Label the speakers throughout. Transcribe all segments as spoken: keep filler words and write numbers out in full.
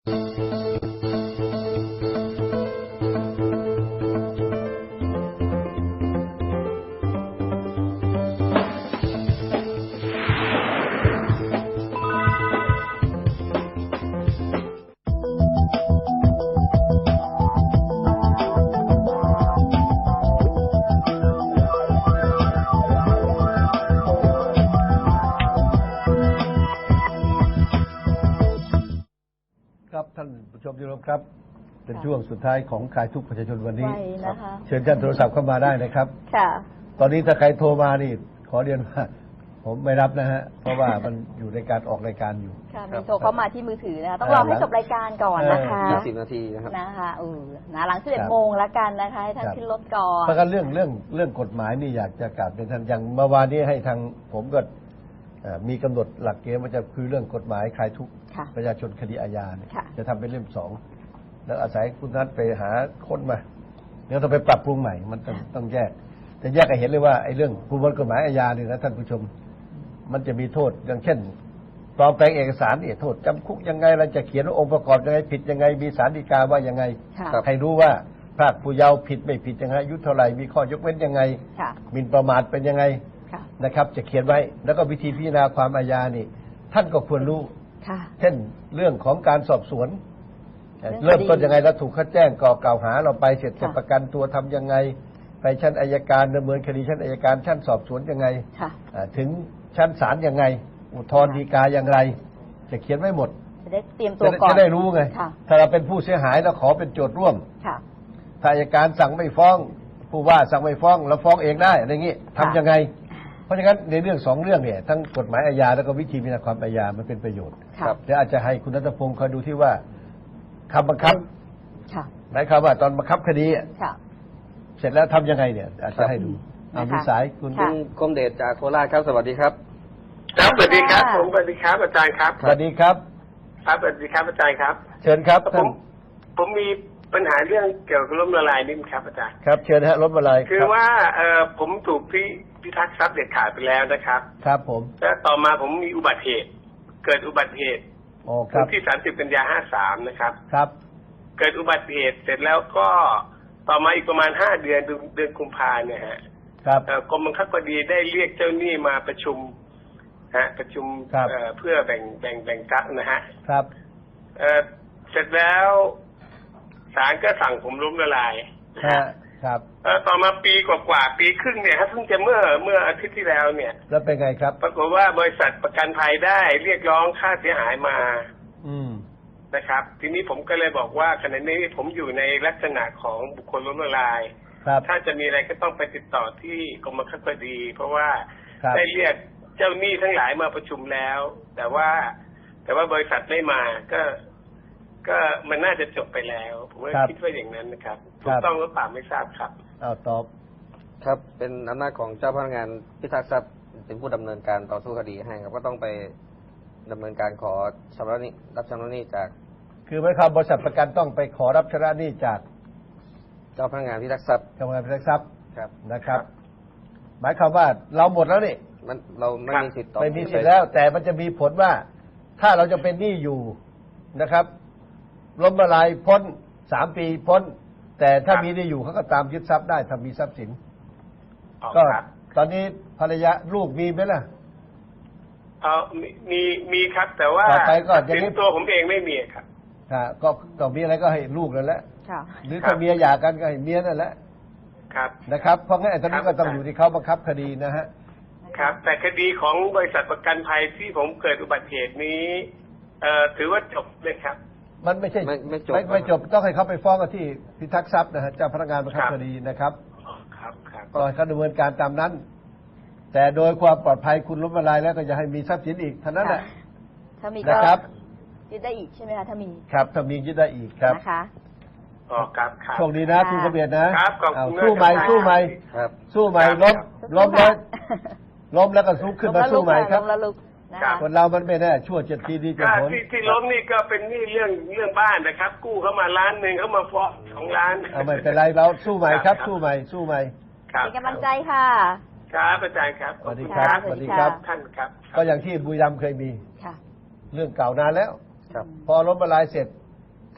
Speaker 1: ครับท่านผู้ชมที่เคารพครับเป็นช่วงสุดท้ายของคลายทุกข์ประชาชนวันนี้
Speaker 2: นะคะ
Speaker 1: เชิญท่านโทรศัพท์เข้ามาได้นะครับ
Speaker 2: ค่ะ
Speaker 1: ตอนนี้ถ้าใครโทรมานี่ขอเรียนว่าผมไม่รับนะฮะเพราะว่ามันอยู่ในการออกรายการอยู่
Speaker 2: ค่ะมีโทรเข้ามาที่มือถือนะคะต้องรอให้จบรายการก่อนนะคะ
Speaker 3: ยี่สิบนาทีนะครับ
Speaker 2: นะคะเออนะหลังสิบเอ็ดโมงแล้วกันนะคะให้ท่านขึ้นรถก่อน
Speaker 1: เพราะกันเรื่องเรื่องเรื่องกฎหมายนี่อยากจะกราบเป็นท่านอย่างเมื่อวานนี้ให้ทางผมก็มีกำหนดหลักเกณฑ์ว่าจะคือเรื่องกฎหมายคลายทุกข์ประชาชนคดีอาญาเนี่ยจะทำเป็นเล่มสองแล้วอาศัยคุณนัทไปหาคนมาแล้วต้องไปปรับปรุงใหม่มันต้องต้องแยกจะแยกให้เห็นเลยว่าไอ้เรื่องประมวลกฎหมายอาญาเนี่ยนะท่านผู้ชมมันจะมีโทษอย่างเช่นปลอมแปลงเอกสารเนี่ยโทษจำคุกยังไงเราจะเขียนว่าองค์ประกอบยังไงผิดยังไงมีศาลฎีกาว่ายังไงให้รู้ว่าพรากผู้เยาว์ผิดไม่ผิดยังไงอายุเท่าไหร่มีข้อยกเว้นยังไงหมิ่นประมาทเป็นยังไงนะครับจะเขียนไว้แล้วก็วิธีพิจารณาความอาญานี่ท่านก็ควรรู้เช่นเรื่องของการสอบสวนเริ่มต้นยังไงแล้วถูกเขาแจ้งก่อกล่าวหาเราไปเสร็จจะประกันตัวทำยังไงไปชั้นอัยการดำเนินคดีชั้นอัยการชั้นสอบสวนยังไงถึงชั้นศาลยังไงอุทธรณ์ฎีกาอย่างไรจะเขียนไว้หมด
Speaker 2: จะได้เตรียมตัวก่อน
Speaker 1: จะได้รู้ไงถ้าเราเป็นผู้เสียหายแล้วขอเป็นโจทย์ร่วมถ้าอัยการสั่งไม่ฟ้องผู้ว่าสั่งไม่ฟ้องเราฟ้องเองได้อะไรอย่างนี้ทำยังไงเพราะฉะนั้นในเรื่องสองเรื่องเนี่ยทั้งกฎหมายอาญาแล้วก็วิธีพิจารณาความอาญามันเป็นประโยชน์เดี๋ยวอาจจะให้คุณณัฐพงศ์คอยดูที่ว่าคำบังคับหมายความว่าตอนบังคับคดีเสร็จแล้วทำยังไงเนี่ยอาจจะให้ดูมีสายคุณ
Speaker 3: กรมเดชจากโคราชครับสวัสดีครับ
Speaker 4: ครับสวัสดีครับผมสวัสดีครับอาจารย์ครับ
Speaker 1: สวัสดีครับ
Speaker 4: ครับสวัสดีครับอาจารย์ครับ
Speaker 1: เชิญครับ
Speaker 4: ผมผมมีปัญหาเรื่องเกี่ยวกับล้มละลายนิดครับอาจารย์
Speaker 1: ครับเชิญฮะล้มละลาย
Speaker 4: คือว่าเออผมถูกพิพิทักษ์ทรัพย์เด็ดขาดไปแล้วนะครับ
Speaker 1: ครับผม
Speaker 4: แล้วต่อมาผมมีอุบัติเหตุเกิดอุบัติเหตุวันที่สามสิบกันยาห้าสามนะครับ
Speaker 1: ครับ
Speaker 4: เกิดอุบัติเหตุเสร็จแล้วก็ต่อมาอีกประมาณห้าเดือนเดือนกุมภาเนี่ยฮะ
Speaker 1: ครับ
Speaker 4: กรมบังคับคดีได้เรียกเจ้าหนี้มาประชุมฮะประชุมเพื่อแบ่งแบ่งแบ่งทรัพย์นะฮะ
Speaker 1: ครับ
Speaker 4: เเสร็จแล้วศาลก็สั่งผมล้มละลาย
Speaker 1: ครับ
Speaker 4: ต่อมาปีกว่าๆปีครึ่งเนี่ยครับเพิ่งจะเมื่อเมื่ออาทิตย์ที่แล้วเนี่ย
Speaker 1: แล้วเป็นไงครับ
Speaker 4: ปรากฏว่าบริษัทประกันภัยได้เรียกร้องค่าเสียหายมา
Speaker 1: อืม
Speaker 4: นะครับทีนี้ผมก็เลยบอกว่าขณะนี้ผมอยู่ในลักษณะของบุคคลล้มละลายถ้าจะมีอะไรก็ต้องไปติดต่อที่กรมบังคับคดีเพราะว่าได้เรียกเจ้าหนี้ทั้งหลายมาประชุมแล้ว แต่ว่าแต่ว่าบริษัทไม่มาก็ก็มันน่าจะจบไปแล้วผมคิดว่าอย่างนั้นนะครับถูกต้องหรือเปล่าไม่ทราบครับ
Speaker 1: เอาตอบ
Speaker 3: ครับเป็นอำนาจของเจ้าพนักงานพิทักษ์ทรัพย์เป็นผู้ดำเนินการต่อสู้คดีให้ครับก็ต้องไปดำเนินการขอชำระหนี้รับชำระหนี้จาก
Speaker 1: คือหมายความบริษัทประกันต้องไปขอรับชำระหนี้จาก
Speaker 3: เจ้าพนักงานพิทักษ์ทรัพย์
Speaker 1: เจ้าพนักงานพิทักษ์ทรัพย์
Speaker 3: ครับ
Speaker 1: นะครับหมายความว่าเราหมดแล้วนี่
Speaker 3: มันเราไม่มีสิทธิ์ต่อ
Speaker 1: ไม่มีสิทธิ์แล้วแต่มันจะมีผลว่าถ้าเราจะเป็นหนี้อยู่นะครับล้มละลายพ้นสามปีพ้นแต่ถ้ามีหนี้อยู่เขาก็ตามยึดทรัพย์ได้ถ้ามีทรัพย์สินก็ตอนนี้ภรรยาลูกมีไหมล่ะ
Speaker 4: เออมีมีครับแต่ว่าสินตัวผมเองไม่มีครับ
Speaker 1: ค่ะก็ต่อมีอะไรก็ให้ลูกนั่นแหละหรือถ้าเมียหย่ากันก็ให้เมียนั่นแหละ
Speaker 4: ครับ
Speaker 1: นะครับเพราะงั้นไอ้ตอนนี้ก็ต้องอยู่ที่เขาบังคับคดีนะฮะ
Speaker 4: ครับแต่คดีของบริษัทประกันภัยที่ผมเกิดอุบัติเหตุนี้เอ่อถือว่าจบเลยครับ
Speaker 1: มันไม่ใช่
Speaker 3: ไม่ไม่จบ
Speaker 1: ไม่จบต้องให้เขาไปฟ้องกันที่พิทักษ์ทรัพย์นะฮะเจ้าพนักงานบังคับคดีนะครับ
Speaker 4: ครับครับ
Speaker 1: ก็ให้เขาดำเนินการตามนั้นแต่โดยความปลอดภัยคุณล้มละลายแล้วก็จะให้มีทรัพย์สินอีกเท่านั้นแหละ
Speaker 2: ถ้ามีก็ยึดได้อีกใช่ไหมคะถ้ามี
Speaker 1: ครับถ้ามียึดได้อีกครับ
Speaker 2: นะคะ
Speaker 4: อ๋อครับครับ
Speaker 1: โชคดีนะคุณกระเบียดนะครับ
Speaker 4: ขอบคุณ
Speaker 1: สู้ใหม่สู้ใหม่
Speaker 3: ครับ
Speaker 1: สู้ใหม่ล้มล้มแล้วล้มแล้วก็สู้ขึ้นมาสู้ใหม่ครับคนเรามันไม่แน่ชั่วเจ็ดทีดีเจ็ดผล
Speaker 4: ที่ที่ล้มนี่ก็เป็นนี่เรื่องเรื่องบ้านนะครับกู้เข้ามาล้านหนึ่งเขามาฟ้องสองล้าน
Speaker 1: ไม่เป็นไรเราสู้ใหม่ครับสู้ใหม่สู้ใหม่
Speaker 2: เป็นกำลังใจค่ะ
Speaker 4: ครับอาจารย์ครับ
Speaker 1: สวัสดีครับสวัสดีครับ
Speaker 4: ท่านครับ
Speaker 1: ก็อย่างที่บุรีรัมย์เคยมีเรื่องเก่านานแล้วพอล้มละลายเสร็จ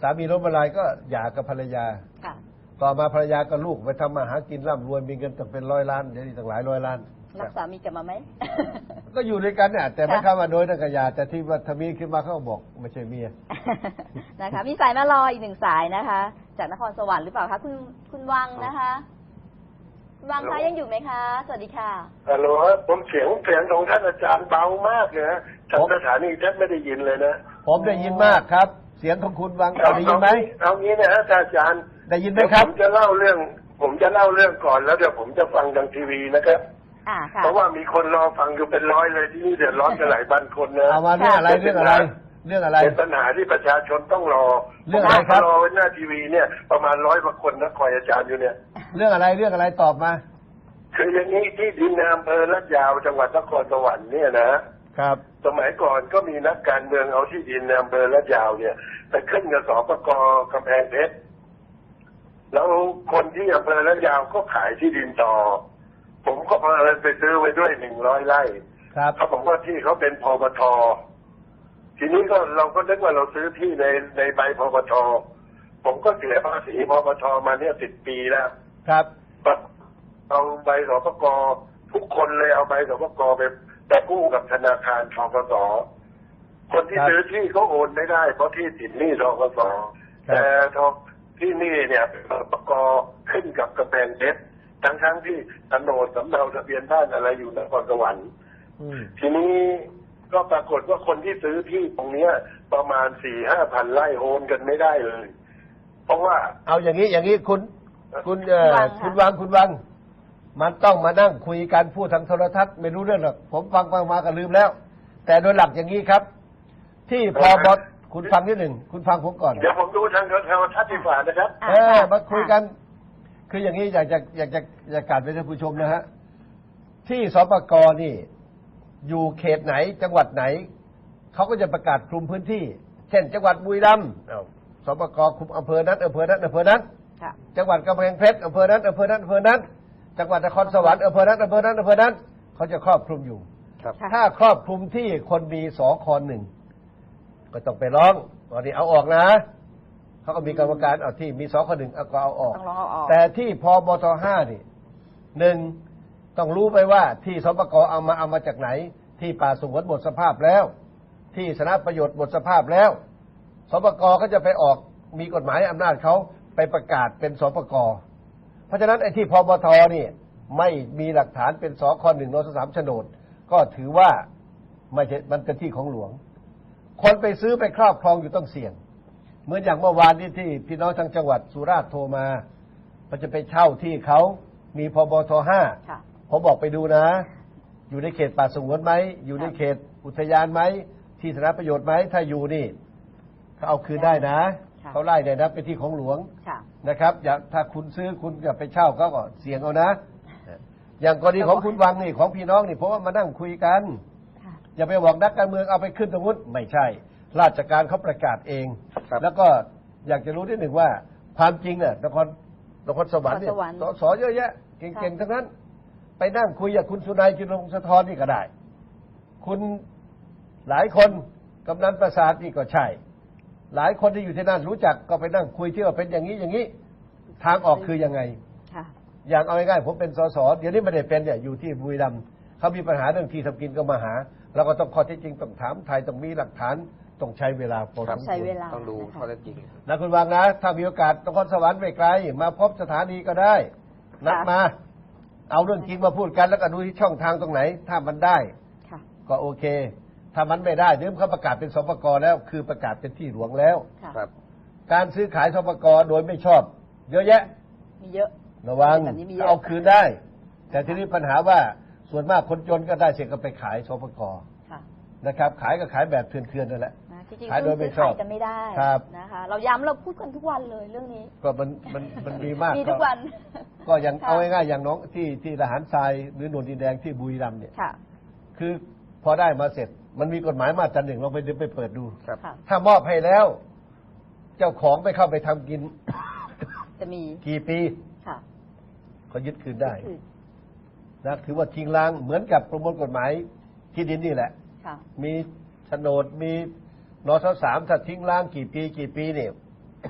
Speaker 1: สามีล้มละลายก็หย่ากับภรรยา
Speaker 2: ค่ะ
Speaker 1: ต่อมาภรรยากับลูกไปทำมาหากินร่ำรวยมีเงินตั้งเป็นร้อยล้านเดี๋ยวนี้ตั้งหลายร้อยล้าน
Speaker 2: รักสามีกลับมาไหม
Speaker 1: ก็อยู่ด้วยกันเนี่ยแต่ไม่
Speaker 2: ค่ะ
Speaker 1: เข้ามาโดยนักหยาแต่ที่ว่าทมีขึ้นมาเขาก็บอกไม่ใช่เมีย
Speaker 2: นะคะ มีสายมารออีกหนึ่งสายนะคะ จากนครสวรรค์หรือเปล่าคะคุณคุณวังนะคะคุณวังคะยังอยู่ไหมคะ สวัสดีค่ะ
Speaker 5: ฮัลโหลครับผมเสียงเสียงของท่านอาจารย์เบามากเลยนะจากสถานีแทบไม่ได้ยินเลยนะ
Speaker 1: ผมได้ยินมากครับ เสียงของคุณวังได้ยินไหม
Speaker 5: เอางี้นะฮะอาจารย์
Speaker 1: ได้ยินไหมครับ
Speaker 5: ผมจะเล่าเรื่อง ผมจะเล่าเรื่องก่อนแล้วเดี๋ยวผมจะฟังทางทีวีนะครับ
Speaker 2: อ่าค่ะ
Speaker 5: เพราะว่ามีคนรอฟังอยู่เป็นร้อยเลยที่นี่เดือดร้อนกันหลายพันคนนะ
Speaker 1: เอามาเรื่องอะไรเรื่องอะไร เรื่องอะไร
Speaker 5: เป็นปัญหาที่ประชาชนต้องรอ
Speaker 1: เรื่องอะไรครับ
Speaker 5: รอไว้หน้าทีวีเนี่ยประมาณร้อยกว่าคนนะคอยอาจารย์อยู่เนี่ย
Speaker 1: เรื่องอะไรเรื่องอะไรตอบมา
Speaker 5: คืออย่างนี้ที่ดินในอำเภอลาดยาวจังหวัดนครสวรรค์เนี่ยนะครับ สมัยก่อนก็มีนักการเมืองเอาที่ดินในอำเภอลาดยาวเนี่ยไปขึ้นกับสปกกำแพงเพชรแล้วคนที่อำเภอลาดยาวก็ขายที่ดินต่อ ผมก็พาเอิญไปซื้อไว้ด้วยหนึ่งร้อยไร่
Speaker 1: ครับ
Speaker 5: เขาบอกว่าที่เขาเป็นพปททีนี้ก็เราก็นึกว่าเราซื้อที่ในในใบพปทผมก็เสียภาษีพปทมาเนี่ยสิบปีแล้ว
Speaker 1: ครับ
Speaker 5: เอาใบสปกทุกคนเลยเอาใบสปกไปไปกู้กับธนาคารธกสคนที่
Speaker 1: ครับ
Speaker 5: ซื้อที่เขาโอนไม่ได้เพราะที่ติดหนี้ธกส
Speaker 1: ครับ
Speaker 5: แต่ทองที่นี่เนี่ยสปกขึ้นกับกำแพงเพชรทั้งทั้งๆที่โฉนดสำเนาทะเบียนบ้านอะไรอยู่นครสวรรค์
Speaker 1: อืม
Speaker 5: ทีนี้ก็ปรากฏว่าคนที่ซื้อที่ตรงเนี้ย ประมาณสี่ห้าพันไร่โอนกันไม่ได้เลย เพราะว่า
Speaker 1: เอาอย่างนี้อย่างนี้คุณ คุณเอ่อ
Speaker 2: วังค่ะ
Speaker 1: คุณวังคุณวัง มันต้องมานั่งคุยกันพูดทางโทรทัศน์ไม่รู้เรื่องหรอกผมฟังฟังมาก็ลืมแล้ว แต่โดยหลักอย่างนี้ครับ ที่พอบอคุณฟังนิดหนึ่งคุณฟังผมก่อน
Speaker 5: เดี๋ยวผมดูทางโทรทัศน์ดีกว่านะครับ
Speaker 2: อ่า
Speaker 1: เออ
Speaker 2: ค่ะ
Speaker 1: มาคุยกัน คืออย่างนี้อยากจะอยากจะอยากกราบไปท่านผู้ชมนะฮะที่สปกนี่ อยู่เขตไหนจังหวัดไหนเขาก็จะประกาศคลุมพื้นที่ เช่น จังหวัดบุรีรัมย์อ้าวสปกคลุมอำเภอนั้นอำเภอนั้นอำเภอนั้น
Speaker 2: ค่ะ
Speaker 1: จังหวัดกำแพงเพชรอำเภอนั้นอำเภอนั้นอำเภอนั้น จังหวัดนครสวรรค์อำเภอนั้นอำเภอนั้นอำเภอนั้น เขาจะครอบคลุมอยู่
Speaker 3: ครับ
Speaker 2: ค่ะ
Speaker 1: ถ้าครอบคลุมที่คนมีสอคอหนึ่งก็ต้องไปร้องตอนนี้เอาออกนะเขาก็มีกรรมการเอาที่มีสอคอหนึ่งเอาก็เอาออก
Speaker 2: ต้องลองเอาออก
Speaker 1: แต่ที่พบทห้านี่หนึ่งต้องรู้ไปว่าที่สปกเอามาเอามาจากไหน ที่ป่าสงวนหมดสภาพแล้ว ที่สนะประโยชน์หมดสภาพแล้วสปกก็จะไปออกมีกฎหมายอำนาจเขาไปประกาศเป็นสปกเพราะฉะนั้นไอ้ที่พบทนี่ไม่มีหลักฐานเป็นสคหนึ่งนสสามโฉนด ก็ถือว่าไม่ใช่มันเป็นที่ของหลวง คนไปซื้อไปครอบครองอยู่ต้องเสี่ยง เหมือนอย่างเมื่อวานนี้ที่พี่น้องทางจังหวัดสุราษฎร์โทรมามันจะไปเช่าที่เขามีพบทห้า
Speaker 2: ค่ะ
Speaker 1: ผมบอกไปดูนะ อยู่ในเขตป่าสงวนไหมอยู่ในเขตอุทยานไหมที่สาธารณประโยชน์ไหมถ้าอยู่นี่เขาเอาคืนได้นะ
Speaker 2: ค่ะ
Speaker 1: เขาไล่ได้นะเป็นที่ของหลวง
Speaker 2: ค่ะ
Speaker 1: นะครับอย่าถ้าคุณซื้อคุณอย่าไปเช่าเขาก็เสี่ยงเอานะ อย่างกรณีของคุณวังนี่ของพี่น้องนี่เพราะว่ามานั่งคุยกัน
Speaker 2: ค่ะ
Speaker 1: อย่าไปบอกนักการเมืองเอาไปขึ้นตรงนู้นไม่ใช่ ราชการเขาประกาศเอง
Speaker 3: ครับ
Speaker 1: แล้วก็อยากจะรู้นิดหนึ่งว่าความจริงเนี่ยนครนครสวรรค์เนี่ย
Speaker 2: นครสวรรค์
Speaker 1: สสเยอะแยะเก่งๆทั้งนั้น ไปนั่งคุยกับคุณสุนัยจุลวงศ์สะทอนนี่ก็ได้ คุณหลายคนกำนันประสาทนี่ก็ใช่ หลายคนที่อยู่ที่นั่นรู้จักก็ไปนั่งคุยที่ว่าเป็นอย่างนี้อย่างนี้ ทางออกคือยังไง
Speaker 2: ค่ะ
Speaker 1: อย่างเอาง่ายๆผมเป็นสสเดี๋ยวนี้ไม่ได้เป็นเนี่ยอยู่ที่บุรีรัมย์เขามีปัญหาเรื่องที่ทำกินก็มาหาเราก็ต้องข้อเท็จจริงต้องถามไทยต้องมีหลักฐานต้องใช้เวลาพอสมควร
Speaker 2: ใช้เวลา
Speaker 3: ต้องดู
Speaker 2: นะคะ
Speaker 3: ข้อเท็จจริง
Speaker 1: นะคุณวางนะ ถ้ามีโอกาสนครสวรรค์ไม่ไกล มาพบสถานีก็ได้ นัดมา เอาเรื่องจริงมาพูดกันแล้วก็ดูที่ช่องทางตรงไหน ถ้ามันได้
Speaker 2: ค่ะ
Speaker 1: ก็โอเค ถ้ามันไม่ได้เดี๋ยวเขาประกาศเป็นสปกแล้ว คือประกาศเป็นที่หลวงแล้ว
Speaker 2: ค่ะ
Speaker 3: ครับ
Speaker 1: การซื้อขายสปกโดยไม่ชอบ เยอะแยะ
Speaker 2: มีเยอะ
Speaker 1: ระวัง
Speaker 2: แบบนี้มีเยอะ
Speaker 1: เอาคืนได้ แต่ทีนี้ปัญหาว่าส่วนมากคนจนก็ได้เสร็จก็ไปขายสปก
Speaker 2: ค่ะ
Speaker 1: นะครับ ขายก็ขายแบบเถื่อนๆนั่นแหละ
Speaker 2: นะจริงๆ
Speaker 1: ขายโดยไม่
Speaker 2: ซื้อ
Speaker 1: ชอบ
Speaker 2: ขายกันไม่ได้
Speaker 1: ครับ
Speaker 2: นะคะ เราย้ำเราพูดกันทุกวันเลยเรื่องนี้
Speaker 1: ก็มันมันมันมีมาก
Speaker 2: มีทุกวัน
Speaker 1: ก็อย่าง
Speaker 2: ค่ะ
Speaker 1: เอาง่ายๆอย่างน้องที่ที่ทหารทรายหรือหนวลดินแดงที่บุรีรัมย์เนี่ย
Speaker 2: ค่ะ
Speaker 1: คือพอได้มาเสร็จ มันมีกฎหมายมาตราหนึ่งลองไปดูไปเปิดดู
Speaker 3: ครับ
Speaker 2: ค่ะ
Speaker 1: ถ้ามอบให้แล้ว เจ้าของไม่เข้าไปทำกิน
Speaker 2: จะมี
Speaker 1: กี่ปี
Speaker 2: ค่ะ
Speaker 1: ก็ยึดคืนได้
Speaker 2: คือ
Speaker 1: นะถือว่าทิ้งล้างเหมือนกับประมวลกฎหมายที่ดินนี่แหละ
Speaker 2: ค่ะ
Speaker 1: มีโฉนดมีนสสามถ้าทิ้งล้างกี่ปีกี่ปีเนี่ย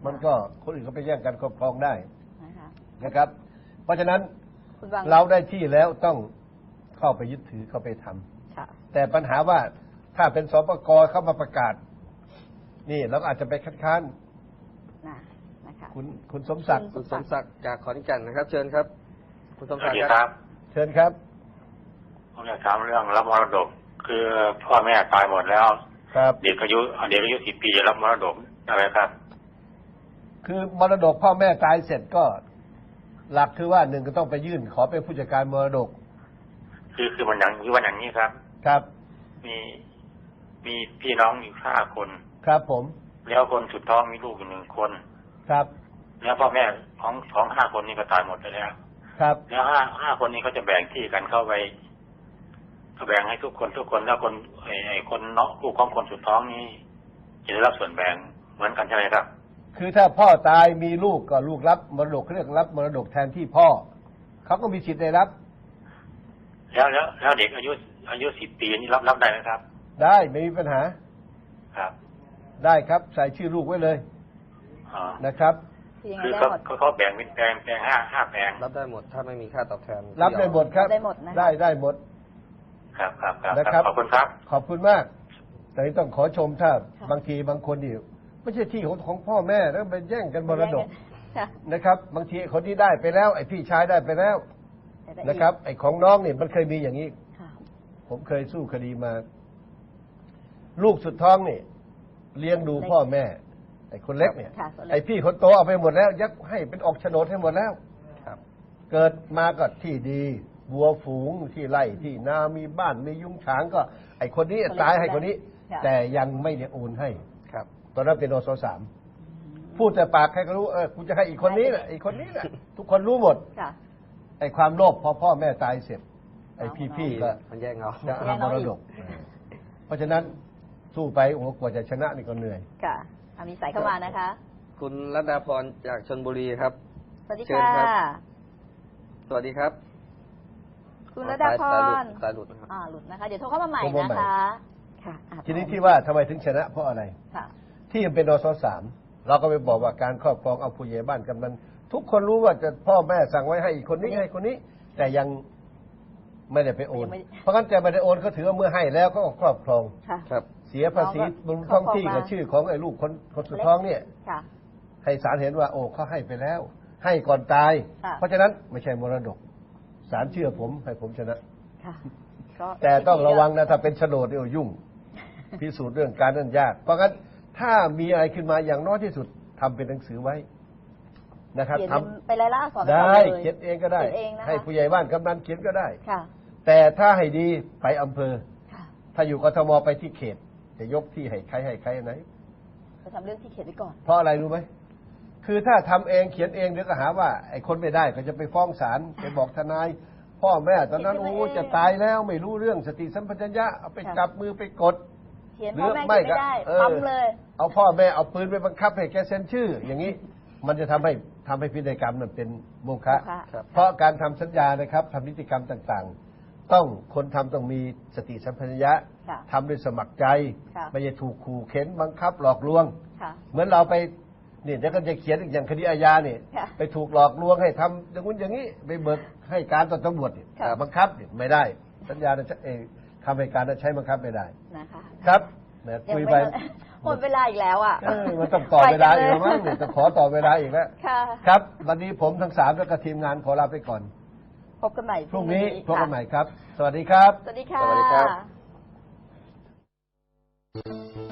Speaker 1: มันก็คนอื่นก็ไปแย่งกันครอบครองได้
Speaker 2: นะคะ
Speaker 1: นะครับ เพราะฉะนั้น
Speaker 2: คุณวัง
Speaker 1: เราได้ที่แล้วต้องเข้าไปยึดถือเข้าไปทำ
Speaker 2: ค่ะ
Speaker 1: แต่ปัญหาว่าถ้าเป็นสปกเข้ามาประกาศ นี่เราก็อาจจะไปคัดค้าน
Speaker 2: นะนะคะ
Speaker 1: คุณคุณสมศักดิ์
Speaker 3: คุณสมศักดิ์จากขอนแก่นนะครับ เชิญครับ คุณสม
Speaker 6: ส
Speaker 3: ศั
Speaker 6: วั
Speaker 3: ก
Speaker 6: ส
Speaker 3: ดิ์
Speaker 6: ดี
Speaker 3: ค
Speaker 6: ครับ รับ
Speaker 1: เชิญครับ
Speaker 6: ผมอยากถามเรื่องรับมรดก คือพ่อแม่ตายหมดแล้ว
Speaker 1: ครับ
Speaker 6: เด็กอายุเด็กอายุสิบปีจะรับมรดกอะไรครับ
Speaker 1: คือมรดกพ่อแม่ตายเสร็จก็ หลักคือว่าหนึ่งก็ต้องไปยื่นขอเป็นผู้จัดการมรดก
Speaker 6: คือคือมันอย่างคือวันอย่างนี้ครับ
Speaker 1: ครับ
Speaker 6: มีมีพี่น้องอยู่ห้าคน
Speaker 1: ครับผม
Speaker 6: แล้วคนสุดท้องมีลูกอยู่หนึ่งคน
Speaker 1: ครับ
Speaker 6: แล้วพ่อแม่ของของห้าคนนี้ก็ตายหมดไปแล้ว
Speaker 1: ครับ
Speaker 6: แล้วห้าห้าคนนี้เขาจะแบ่งที่กันเข้าไปก็แบ่งให้ทุกคนทุกคนแล้วคนไอ้ไอ้คนเนาะลูกของคนสุดท้องนี้จะได้รับส่วนแบ่งเหมือนกันใช่ไหมครับ
Speaker 1: คือถ้าพ่อตายมีลูกก็ลูกรับมรดกเรียกรับมรดกแทนที่พ่อเขาก็มีสิทธิ์ได้รับ
Speaker 6: แล้วแล้วแล้วเด็กอายุอายุสิบปีนี่รับรับได้ไหมครับ
Speaker 1: ได้ไม่มีปัญหา
Speaker 6: ครับ
Speaker 1: ได้ครับใส่ชื่อลูกไว้เลย
Speaker 6: อ๋อ
Speaker 1: นะครับ
Speaker 2: คือยังไง
Speaker 6: คือ
Speaker 2: ได้
Speaker 6: เขา
Speaker 2: หมด
Speaker 6: เขาเขาแบ่งเป็นแปลงแปลงห้าห้าแปลง
Speaker 3: รับได้หมด ถ้าไม่มีค่าตอบแทน
Speaker 1: รับได้หมดครับ
Speaker 2: ได้หมดนะ
Speaker 1: ได้ได้หมด
Speaker 6: ครับครับครับ
Speaker 1: นะครับ
Speaker 6: ขอบคุณครับ
Speaker 1: ขอบคุณมาก แต่นี่ต้องขอชมถ้าบางทีบางคนนี่ไม่ใช่ที่ของของพ่อแม่แล้วไปแย่งกันมรดก
Speaker 2: ค่ะ
Speaker 1: นะครับ บางทีคนที่ได้ไปแล้ว ไอ้พี่ชายได้ไปแล้ว
Speaker 2: แต่ได้อีก
Speaker 1: นะครับ ไอ้ของน้องนี่มันเคยมีอย่างนี้
Speaker 2: ค่ะ
Speaker 1: ผมเคยสู้คดีมา ลูกสุดท้องนี่เลี้ยงดูพ่อแม่ ไอ้คนเล็กเนี่ย
Speaker 2: ค่ะส่วนเล็ก
Speaker 1: ไอ้พี่คนโตเอาไปหมดแล้ว ยักให้เป็นออกโฉนดให้หมดแล้ว
Speaker 3: ครับ
Speaker 1: เกิดมาก็ที่ดีวัวฝูงที่ไร่ที่นามีบ้านมียุ้งฉางก็ ไอ้คนนี้ตายให้คนนี้
Speaker 2: ค่ะ
Speaker 1: แต่ยังไม่ได้โอนให้
Speaker 3: ครับ
Speaker 1: ตอนนั้นเป็นนสสามพูดแต่ปากใครก็รู้เออกูจะให้อีกคนนี้แหละอีกคนนี้แหละทุกคนรู้หมด
Speaker 2: ค่ะ
Speaker 1: ไอ้ความโลภพอพ่อแม่ตายเสร็จ ไอ้พี่ๆก็
Speaker 3: มันแย่งเอา
Speaker 1: จะเอามรดก เพราะฉะนั้นสู้ไปโอ้โหกว่าจะชนะนี่ก็เหนื่อย
Speaker 2: ค่ะอามีสายเข้ามานะคะ
Speaker 3: คุณรัตดาพรจากชลบุรีครับ
Speaker 2: สวัสดี
Speaker 3: เชิญ
Speaker 2: ค่ะ
Speaker 3: ครับ สวัสดีครับ
Speaker 2: คุณระดาพ
Speaker 3: สายหลุด
Speaker 2: ร
Speaker 3: สายหลุดนะครับ
Speaker 2: อ่าหลุดนะคะ เดี๋ยวโทรเข้ามาใหม่
Speaker 1: โทรมา
Speaker 2: นะ
Speaker 1: ใหม่
Speaker 2: คะ ค่ะอ่ะ
Speaker 1: ทีนี้ที่ว่าทำไมถึงชนะเพราะอะไร
Speaker 2: ค่ะ
Speaker 1: ที่มันเป็นนสสามเราก็ไปบอกว่าการครอบครองเอาผู้ใหญ่บ้านกำนันทุกคนรู้ว่าจะพ่อแม่สั่งไว้ให้อีกคนนี้ให้คนนี้ แต่ยังไม่ได้ไปโอน
Speaker 2: ยังไม่ได้
Speaker 1: เพราะงั้นจะไม่ได้โอนก็ถือว่าเมื่อให้แล้วก็ครอบครอง
Speaker 2: ค่ะ
Speaker 3: ครับ
Speaker 1: เสียภาษีบนท้องที่กับชื่อของไอ้ลูกคนคนสุดท้องเนี่ย
Speaker 2: ค่ะ
Speaker 1: ให้ศาลเห็นว่า โอ้เขาให้ไปแล้ว ให้ก่อนตาย
Speaker 2: ค่ะ
Speaker 1: เพราะฉะนั้นไม่ใช่มรดกศาลเชื่อผมให้ผมชนะ
Speaker 2: ค่ะก็
Speaker 1: แต่ต้องระวังนะถ้าเป็นโฉนดเนี่ยยุ่ง พิสูจน์เรื่องการนั่นยาก เพราะงั้นถ้ามีอะไรขึ้นมาอย่างน้อยที่สุดทำเป็นหนังสือไว้นะครับ
Speaker 2: เขียน
Speaker 1: ท
Speaker 2: เป็นไปรายละอักษร
Speaker 1: ำได้
Speaker 2: ปก่อนล
Speaker 1: เขียนเองก็ได้
Speaker 2: เขียนเองนะคะ
Speaker 1: ให้ผู้ใหญ่บ้านกำนันเขียนก็ได้
Speaker 2: ค่ะ
Speaker 1: แต่ถ้าให้ดีไปอำเภอ
Speaker 2: ค่ะ
Speaker 1: ถ้าอยู่กทมไปที่เขต จะยกที่ให้ใครให้ใครไหน
Speaker 2: จะทำเรื่องที่เขียนไว้ก่อน
Speaker 1: เพราะอะไรรู้ไหม คือถ้าทำเองเขียนเองเดี๋ยวก็หาว่าไอ้คนไม่ได้ก็จะไปฟ้องศาลไปบอกทนาย พ่อแม่ตอนนั้น
Speaker 2: เขียน
Speaker 1: โอ้
Speaker 2: ขึ้นมาเอง
Speaker 1: จะตายแล้วไม่รู้เรื่องสติสัมปชัญญะเอาไป
Speaker 2: ค่ะ
Speaker 1: จับมือไปกด
Speaker 2: เขียน
Speaker 1: หรื
Speaker 2: พ่อ
Speaker 1: อ
Speaker 2: แม่
Speaker 1: ไม่
Speaker 2: เขียนไม่ได้
Speaker 1: ก็เออ
Speaker 2: ปั๊มเลย
Speaker 1: เอาพ่อแม่เอาปืนไปบังคับให้แกเซ็นชื่อ อย่างนี้ มันจะทำให้ทำให้พินัยกรรมมันเป็นโมฆะ
Speaker 2: โมฆะ
Speaker 3: ครับ
Speaker 1: เพราะการทำสัญญานะครับทำนิติกรรมต่างๆ ต้องคนทำต้องมีสติสัมปชัญญะ
Speaker 2: ค่ะ
Speaker 1: ทำด้วยสมัครใจ
Speaker 2: ค่ะ
Speaker 1: ไม่ใช่ถูกขู่เข็นบังคับหลอกลวง
Speaker 2: ค่ะ
Speaker 1: เหมือนเราไปเนี่ยเดี๋ยวก็จะเขียนอีกอย่างคดีอาญาเนี่ย
Speaker 2: ค่ะ
Speaker 1: ไปถูกหลอกลวงให้ทำอย่างนู้นอย่างนี้ไปเบิกให้การต่อตำรวจเนี่ย
Speaker 2: ค่ะ
Speaker 1: บังคับเนี่ยไม่ได้ สัญญาจะเองคำให้การนั้นใช้บังคับไม่ได้
Speaker 2: นะคะ
Speaker 1: ครับแหม
Speaker 2: ยัง
Speaker 1: คุย
Speaker 2: ไม่
Speaker 1: ไป
Speaker 2: หมดเวลาอีกแล้วอ่ะ
Speaker 1: เออมันต้องต่อเวลาอีกแล้วมั้งเนี่ยจะขอต่อเวลาอีกแล้ว
Speaker 2: ค่ะ
Speaker 1: ครับ วันนี้ผมทั้งสามแล้วก็ทีมงานขอลาไปก่อน
Speaker 2: พบกันใหม่
Speaker 1: พรุ่งนี้พบกันใหม่
Speaker 2: ค่ะ
Speaker 1: ครับ สวัสดีครับ
Speaker 2: สวัสดีค่ะ
Speaker 3: สวัสดีครับ